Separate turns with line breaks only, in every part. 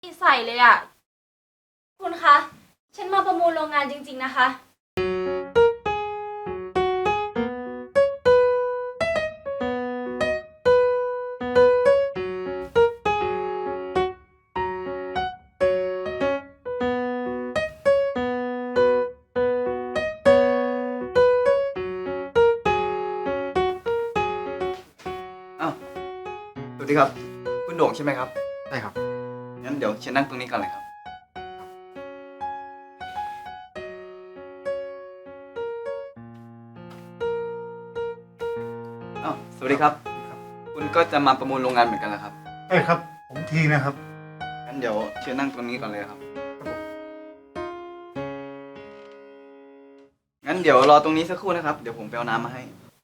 ใส่เลยอ่ะคุณคะฉันมาประมูลโรงงานจริงๆนะคะ
อ้าวสวัสดีครับคุณโด่งใช่ไหมครับ
ใช่ครับ
งั้นเดี๋ยวเชิญนั่งตรงนี้ก่อนเลยครับอ้าวสวัสดีครับ คุณก็จะมาประมูลโรงงานเหมือนกันเหรอครับ
ใช่ครับ ผมทีนะครับ
งั้นเดี๋ยวเชิญนั่งตรงนี้ก่อนเลยครับ งั้นเดี๋ยวรอตรงนี้สักครู่นะครับ เดี๋ยวผมไปเอาน้ำมาให้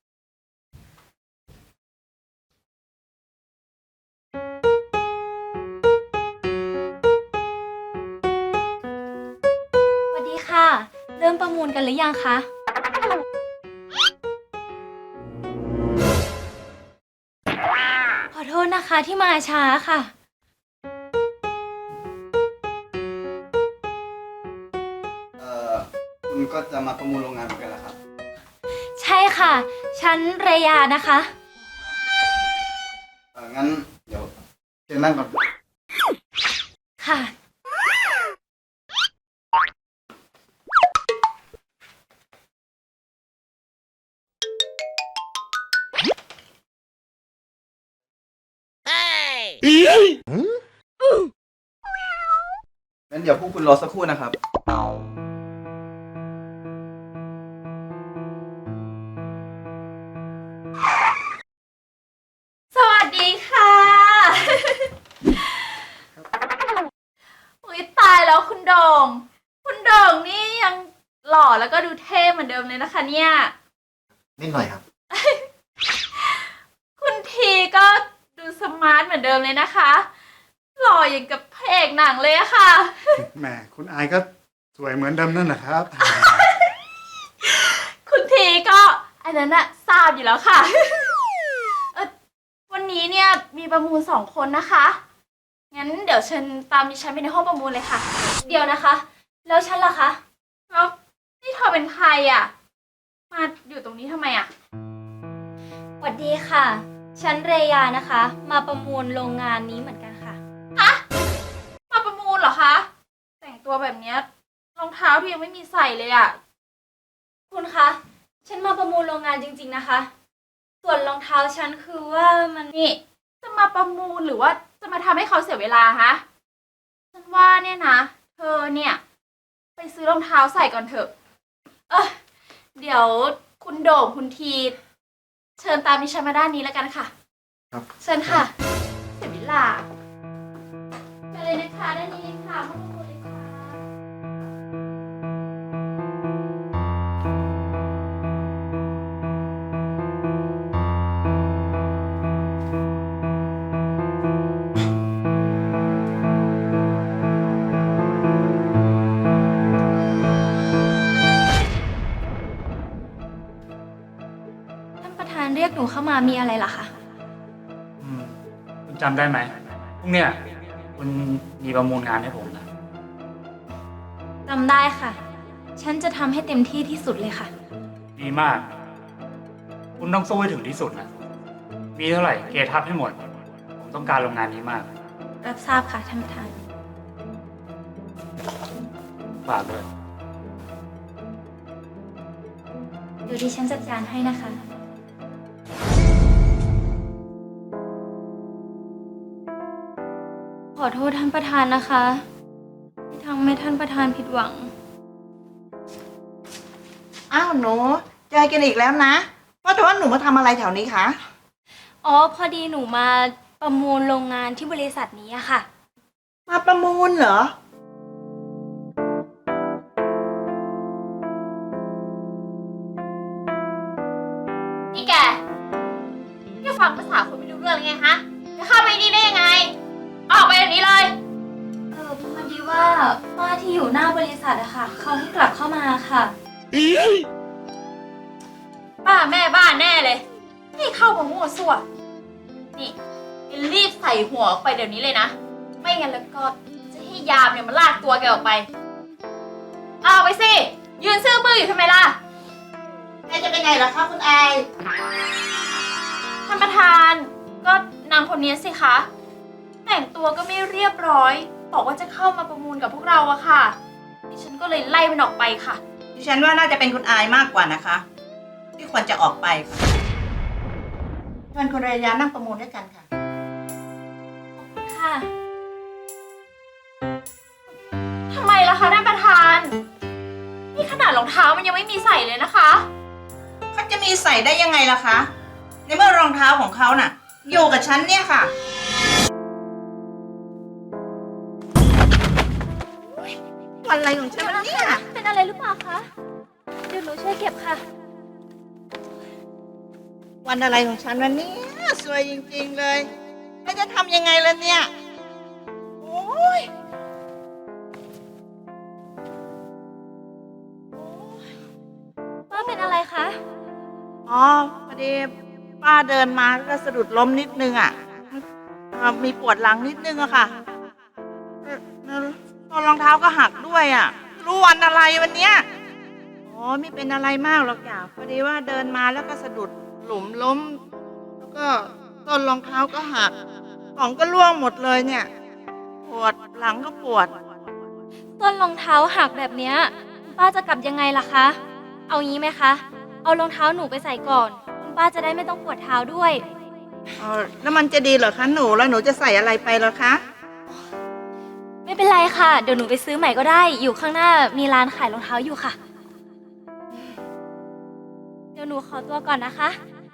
สวัสดีค่ะ เริ่มประมูลกันหรือยังคะขอโทษนะคะที่มาช้าค่ะ
คุณก็จะมาประมูลโรงงานเหมือนกันเหรอครับ
ใช่ค่ะ ฉันเรยานะคะ
งั้นเดี๋ยวเชิญนั่งก่อน
ค่ะ
งั้นเดี๋ยวพวกคุณรอสักครู่นะครับ
สวัสดีค่ะ อุ๊ยตายแล้วคุณโด่ง คุณโด่งนี่ยังหล่อแล้วก็ดูเท่เหมือนเดิมเลยนะคะเนี่ย
นิดหน่อยครับ
คุณทีก็ดูสมาร์ทเหมือนเดิมเลยนะคะ หล่ออย่างกับพระเอกหนังเลยอะค่ะ
แหมคุณอายก็สวยเหมือนเดิมนั่นแหละครับ
คุณทีก็อันนั้นอะทราบอยู่แล้วค่ะ วันนี้เนี่ยมีประมูล2 คนนะคะ งั้นเดี๋ยวเชิญตามดิฉันไปในห้องประมูลเลยค่ะ เดี๋ยวนะคะ แล้วฉันล่ะคะแล้วนี่เธอเป็นใครอะมาอยู่ตรงนี้ทำไมอะสวัสดีค่ะ ฉันเรยานะคะ มาประมูลโรงงานนี้เหมือนกันค่ะ ฮะ มาประมูลเหรอคะ แต่งตัวแบบเนี้ยรองเท้าที่ยังไม่มีใส่เลยอะคุณคะ ฉันมาประมูลโรงงานจริงๆนะคะ ส่วนรองเท้าฉันคือว่ามันนี่จะมาประมูลหรือว่าจะมาทำให้เขาเสียเวลาฮะฉันว่าเนี่ยนะ เธอเนี่ย ไปซื้อรองเท้าใส่ก่อนเถอะ เดี๋ยวคุณโด่งคุณทีเชิญตามดิฉันมาด้านนี้แล้วกันค่ะ
ครับ
เชิญค่ะ เสียเวลาไปเลยนะคะด้านนี้เลยค่ะห้องประมูลเลยค่ะ ท่านประธานเรียกหนูเข้ามามีอะไรเหรอคะ
คุณจำได้ไหมพรุ่งเนี้ยคุณมีประมูลงานให้ผมนะ
จำได้ค่ะ ฉันจะทำให้เต็มที่ที่สุดเลยค่ะ
ดีมาก คุณต้องสู้ให้ถึงที่สุดนะ มีเท่าไหร่เกทับให้หมด ผมต้องการโรงงานนี้มาก
รับทราบค่ะท่านประธาน
ฝากด้วย
เดี๋ยวดิฉันจัดการให้นะคะ ขอโทษท่านประธานนะคะ ที่ทำให้ท่านประธานผิดหวัง
อ้าวหนูเจอกันอีกแล้วนะว่าแต่ว่าหนูมาทำอะไรแถวนี้คะ
อ๋อ พอดีหนูมาประมูลโรงงานที่บริษัทนี้อะค่ะ
มาประมูลเหรอ
นี่แกฟังภาษาคนไม่รู้เรื่องเลยไงฮะ จะเข้าไปนี่ได้ยังไง ออกไปแบบนี้เลย พอดีว่าป้าที่อยู่หน้าบริษัทอะค่ะ เขาให้กลับเข้ามาค่ะ ป้าแม่บ้านแน่เลยนี่เข้ามามั่วซั่ว นี่รีบใส่หัวออกไปเดี๋ยวนี้เลยนะ ไม่งั้นแล้วก็จะให้ยามเนี่ยมาลากตัวแกออกไป เอาไปสิ ยืนซื่อบื้ออยู่ทำไมล่ะ
แกจะไปไหนล่ะคะคุณอาย
ท่านประธานก็นางคนนี้สิคะ แต่งตัวก็ไม่เรียบร้อย บอกว่าจะเข้ามาประมูลกับพวกเราอะค่ะ ดิฉันก็เลยไล่มันออกไปค่ะ
ดิฉันว่าน่าจะเป็นคุณอายมากกว่านะคะ ที่ควรจะออกไปค่ะเชิญคุณเรยานั่งประมูลด้วยกันค่ะ
ค่ะ ทำไมล่ะคะท่านประธาน นี่ขนาดรองเท้ามันยังไม่มีใส่เลยนะคะ
เขาจะมีใส่ได้ยังไงล่ะคะ ในเมื่อรองเท้าของเขาน่ะ อยู่กับฉันเนี่ยค่ะ วันอะไรของฉันวะเนี่ย
เป็นอะไรหรือเปล่าคะ เดี๋ยวหนูช่วยเก็บค่ะ
วันอะไรของฉันวันนี้สวยจริงๆเลยแล้วจะทำยังไงล่ะเนี่ย โอ้ย
ป้าเป็นอะไรคะ
อ๋อพอดีป้าเดินมาก็สะดุดล้มนิดนึงอ่ะมีปวดหลังนิดนึงอะค่ะแล้วรองเท้าก็หักด้วยอ่ะ รู้วันอะไรวันเนี้ยอ๋อไม่เป็นอะไรมากหรอกจ้ะพอดีว่าเดินมาแล้วก็สะดุดหลุมล้ม แล้วก็ต้นรองเท้าก็หักของก็ร่วงหมดเลยเนี่ย ปวดหลังก็ปวด
ต้นรองเท้าหักแบบเนี้ยคุณป้าจะกลับยังไงล่ะคะ เอางี้ไหมคะ เอารองเท้าหนูไปใส่ก่อน คุณป้าจะได้ไม่ต้องปวดเท้าด้วย
แล้วมันจะดีเหรอคะหนูแล้วหนูจะใส่อะไรไปเหรอคะ
ไม่เป็นไรค่ะ เดี๋ยวหนูไปซื้อใหม่ก็ได้ อยู่ข้างหน้ามีร้านขายรองเท้าอยู่ค่ะ เดี๋ยวหนูขอตัวก่อนนะคะ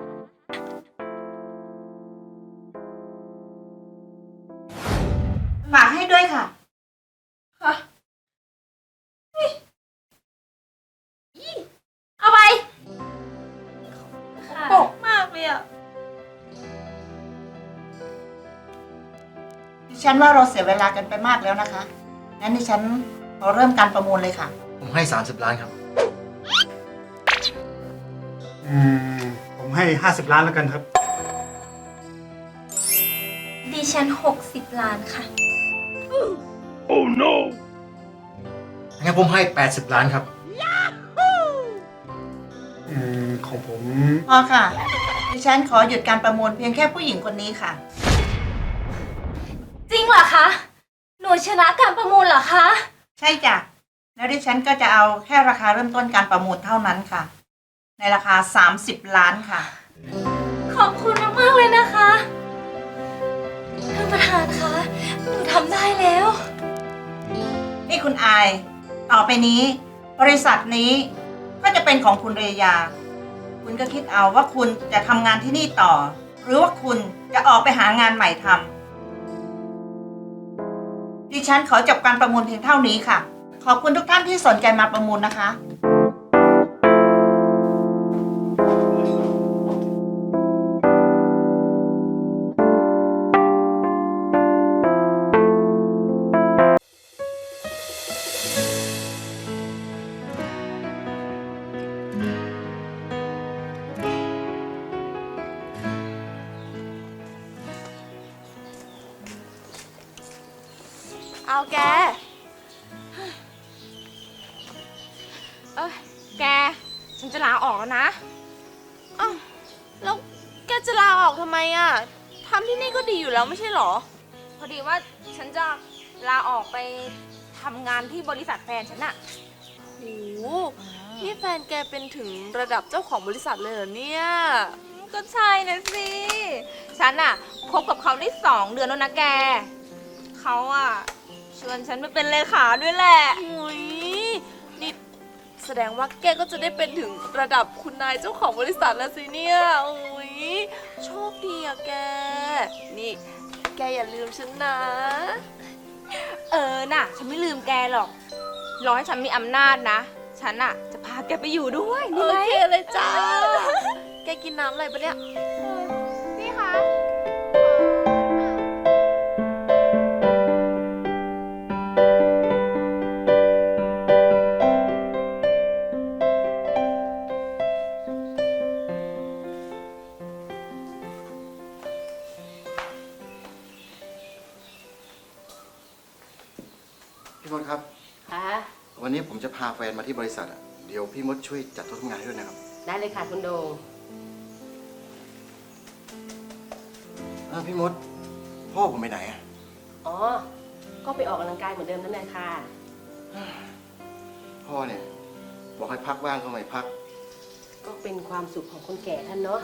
ฝากให้ด้วยค่ะ
ค่ะเอาไป
ค่ะ
ปกมากเลยอะ
ดิฉันว่าเราเสียเวลากันไปมากแล้วนะคะงั้นดิฉันขอเริ่มการประมูลเลยค่ะ
ผมให้ 30 ล้านครับ
ผมให้ 50 ล้านแล้วกันครับ
ดิฉัน60 ล้านค่ะ
งั้นผมให้ 80 ล้านครับ
ของผม
พอค่ะ ดิฉันขอหยุดการประมูลเพียงแค่ผู้หญิงคนนี้ค่ะ
จริงเหรอคะ หนูชนะการประมูลเหรอคะ
ใช่จ้ะ แล้วดิฉันก็จะเอาแค่ราคาเริ่มต้นการประมูลเท่านั้นค่ะ ในราคา 30 ล้านค่ะ
ขอบคุณมากๆเลยนะคะ ท่านประธานคะ หนูทำได้แล้ว
นี่คุณอาย ต่อไปนี้ บริษัทนี้ก็จะเป็นของคุณเรยา คุณก็คิดเอาว่าคุณจะทำงานที่นี่ต่อ หรือว่าคุณจะออกไปหางานใหม่ทำดิฉันขอจบการประมูลเพียงเท่านี้ค่ะ ขอบคุณทุกท่านที่สนใจมาประมูลนะคะ
เอาแก แก ฉันจะลาออกแล้วนะอ้าวแล้วแกจะลาออกทำไมอ่ะทำที่นี่ก็ดีอยู่แล้วไม่ใช่หรอ พอดีว่าฉันจะลาออกไปทำงานที่บริษัทแฟนฉันอะโหนี่แฟนแกเป็นถึงระดับเจ้าของบริษัทเลยเหรอเนี่ย ก็ใช่นะสิ ฉันอะคบกับเขาได้2 เดือนแล้วนะแก เขาอะชวนฉันมาเป็นเลขาด้วยแหละอุ้ยนี่แสดงว่าแกก็จะได้เป็นถึงระดับคุณนายเจ้าของบริษัทแล้วสิเนี่ยอุ้ยโชคดีอะแก นี่แกอย่าลืมฉันนะ น่ะ ฉันไม่ลืมแกหรอก รอให้ฉันมีอำนาจนะ ฉันอะจะพาแกไปอยู่ด้วยโอเคเลยจ้า แกกินน้ำอะไรปะเนี่ย
พี่คะ
น
พี่มดครับ
ค่ะ
วันนี้ผมจะพาแฟนมาที่บริษัทอ่ะ เดี๋ยวพี่มดช่วยจัดโต๊ะทำงานให้ด้วยนะครับ
ได้เลยค่ะคุณโดง
พี่มด พ่อผมไปไหนอ่ะ
อ๋อ ก็ไปออกกำลังกายเหมือนเดิมนั่นแหละค่ะ
พ่อเนี่ยบอกให้พักบ้างก็ไม่พัก
ก็เป็นความสุขของคนแก่ท่านเนาะ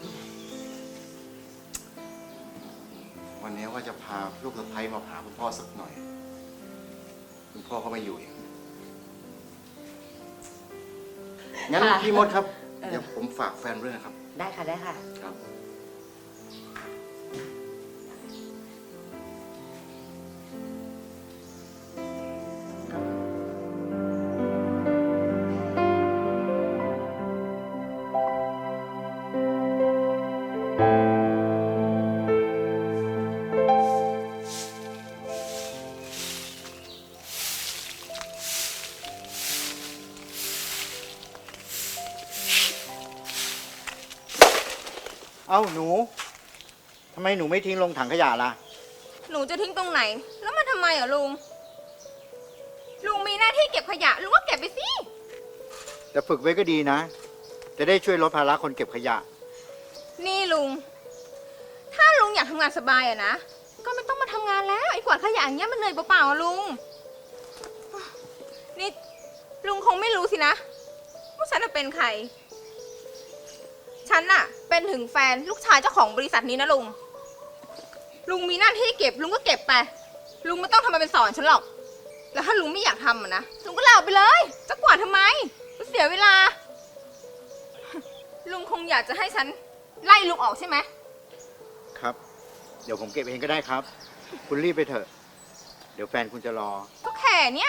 วันนี้ว่าจะพาลูกสะใภ้มาหาคุณพ่อสักหน่อย คุณพ่อเขาไม่อยู่เองงั้น
ค่ะ
พี่มดครับ
เออ
เดี๋ยวผมฝากแฟนด้วยนะครับ
ได้ค่ะ ได้ค่ะ
ครับ
เอ้าหนู ทำไมหนูไม่ทิ้งลงถังขยะล่ะ
หนูจะทิ้งตรงไหน แล้วมันทำไมอ่ะลุง ลุงมีหน้าที่เก็บขยะ ลุงก็เก็บไปสิ
แต่ฝึกไว้ก็ดีนะ จะได้ช่วยลดภาระคนเก็บขยะ
นี่ลุง ถ้าลุงอยากทำงานสบายอะนะ ก็ไม่ต้องมาทำงานแล้ว ไอ้กวาดขยะอย่างเงี้ยมันเหนื่อยเปล่าๆอะลุง นี่ลุงคงไม่รู้สินะว่าฉันน่ะเป็นใคร ฉันน่ะ เป็นถึงแฟนลูกชายเจ้าของบริษัทนี้นะลุง ลุงมีหน้าที่เก็บ ลุงก็เก็บไป ลุงไม่ต้องทำมาเป็นสอนฉันหรอก แล้วถ้าลุงไม่อยากทำอะนะ ลุงก็ลาออกไปเลย จะกวาดทำไมมันเสียเวลา ลุงคงอยากจะให้ฉันไล่ลุงออกใช่ไหม
ครับ เดี๋ยวผมเก็บเองก็ได้ครับ คุณรีบไปเถอะ เดี๋ยวแฟนคุณจะรอ
ก็แค่เนี้ย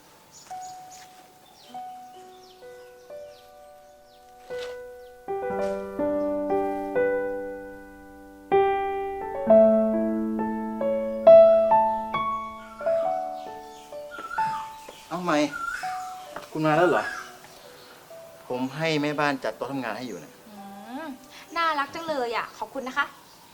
เอาไหมคุณมาแล้วเหรอ ผมให้แม่บ้านจัดโต๊ะทำงานให้อยู่นะ
น่ารักจังเลยอ่ะ ขอบคุณนะคะ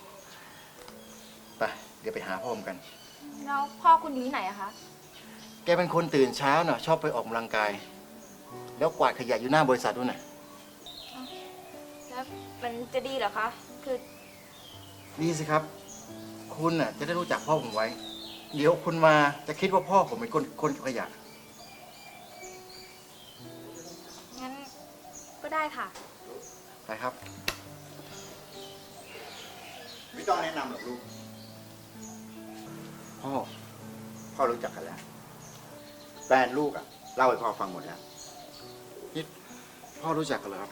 ไปเดี๋ยวไปหาพ่อผมกัน
แล้วพ่อคุณอยู่ที่ไหนอะคะ
แกเป็นคนตื่นเช้าเน่ะชอบไปออกกำลังกาย แล้วกวาดขยะอยู่หน้าบริษัทด้วยน่ะ
แล้วมันจะดีเหรอคะ คือ
ดีสิครับ คุณน่ะจะได้รู้จักพ่อผมไว้ เดี๋ยวคุณมาจะคิดว่าพ่อผมเป็นคนเก็บขยะ
งั้นก็ได้ค่ะ
ไปครับ
ไม่ต้องแนะนำหรอกลูก พ่อรู้จักกันแล้ว แฟนลูกอ่ะ เล่าให้พ่อฟังหมดแล้ว
นี่พ่อรู้จักกันเหรอครับ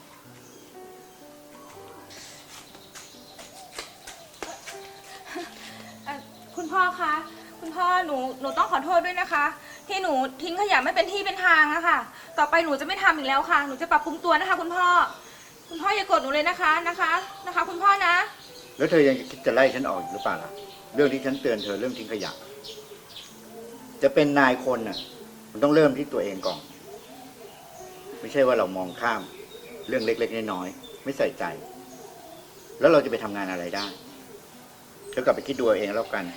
คุณพ่อคะ คุณพ่อหนูต้องขอโทษด้วยนะคะ ที่หนูทิ้งขยะไม่เป็นที่เป็นทางอะค่ะ ต่อไปหนูจะไม่ทำอีกแล้วค่ะ หนูจะปรับปรุงตัวนะคะ คุณพ่อ คุณพ่ออย่าโกรธหนูเลยนะคะ นะคะ คุณพ่อนะ
แล้วเธอยังคิดจะไล่ฉันออกอยู่หรือเปล่าล่ะ เรื่องที่ฉันเตือนเธอเรื่องทิ้งขยะ จะเป็นนายคนน่ะ มันต้องเริ่มที่ตัวเองก่อน ไม่ใช่ว่าเรามองข้ามเรื่องเล็กๆน้อยๆไม่ใส่ใจ แล้วเราจะไปทำงานอะไรได้เธอกลับไปคิดดูเอาเองแล้วกัน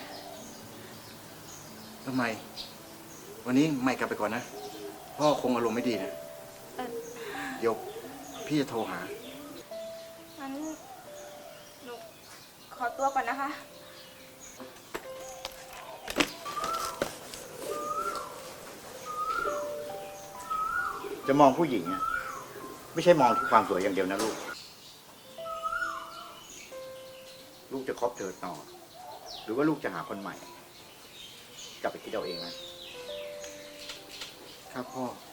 ทำไม วันนี้ไม่กลับไปก่อนนะ พ่อคงอารมณ์ไม่ดีนะ เดี๋ยวพี่จะโทรหา
งั้นหนูขอตัวก่อนนะคะ
จะมองผู้หญิงอ่ะไม่ใช่มองที่ความสวยอย่างเดียวนะลูก ลูกจะคบเธอต่อ หรือว่าลูกจะหาคนใหม่ กลับไปคิดเอาเองนะ
ครับพ่อ